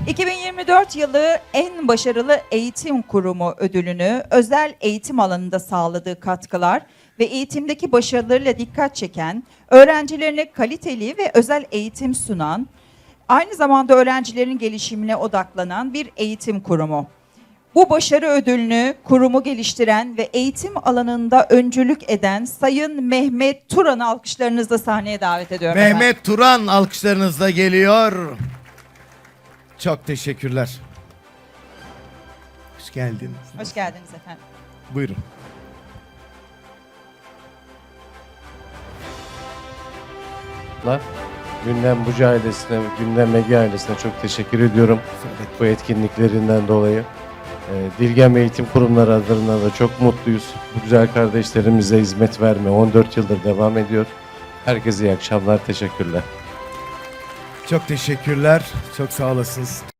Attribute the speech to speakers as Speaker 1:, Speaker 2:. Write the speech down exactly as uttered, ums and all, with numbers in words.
Speaker 1: iki bin yirmi dört yılı en başarılı eğitim kurumu ödülünü özel eğitim alanında sağladığı katkılar ve eğitimdeki başarılarıyla dikkat çeken, öğrencilerine kaliteli ve özel eğitim sunan, aynı zamanda öğrencilerin gelişimine odaklanan bir eğitim kurumu. Bu başarı ödülünü kurumu geliştiren ve eğitim alanında öncülük eden Sayın Mehmet Turan'ı alkışlarınızla sahneye davet ediyorum.
Speaker 2: Mehmet
Speaker 1: efendim.
Speaker 2: Turan alkışlarınızla geliyor. Çok teşekkürler. Hoş geldiniz.
Speaker 1: Hoş geldiniz efendim.
Speaker 2: Buyurun.
Speaker 3: Gündem Bucu ailesine, Gündem Medya ailesine çok teşekkür ediyorum bu etkinliklerinden dolayı. Ee, Dilgem Eğitim Kurumları adına da çok mutluyuz. Bu güzel kardeşlerimize hizmet verme on dört yıldır devam ediyor. Herkese iyi akşamlar, teşekkürler.
Speaker 2: Çok teşekkürler. Çok sağ olasınız.